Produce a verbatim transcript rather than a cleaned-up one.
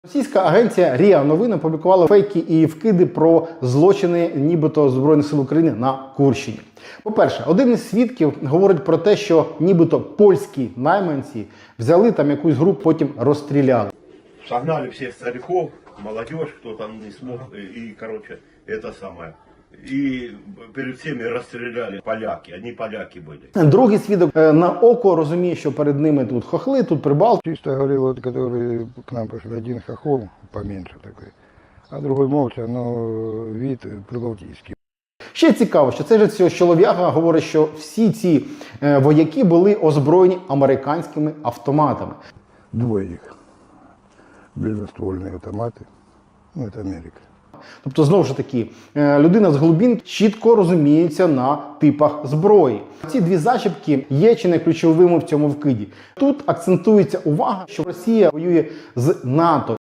Російська агенція РІА Новини опублікувала фейки і вкиди про злочини нібито Збройних сил України на Курщині. По-перше, один із свідків говорить про те, що нібито польські найманці взяли там якусь групу, потім розстріляли. Согнали всех стариков, молодежь, кто там не смог, и, короче, это самое. И перед всеми расстреляли поляки, они поляки были. Другий свідок е, на око розуміє, що перед ними тут хохли, тут прибалти. Чисто говорил, вот, который к нам пришел, один хохол, поменьше такой, а другой молча, но вид прибалтийский. Ще цікаво, що цей же цього чолов'яга говорить, що всі ці е, вояки були озброєні американськими автоматами. Двое их, близоствольные автоматы, ну это Америка. Тобто, знову ж таки, е, людина з глибин чітко розуміється на типах зброї. Ці дві зачіпки є чи не ключовими в цьому вкиді. Тут акцентується увага, що Росія воює з НАТО.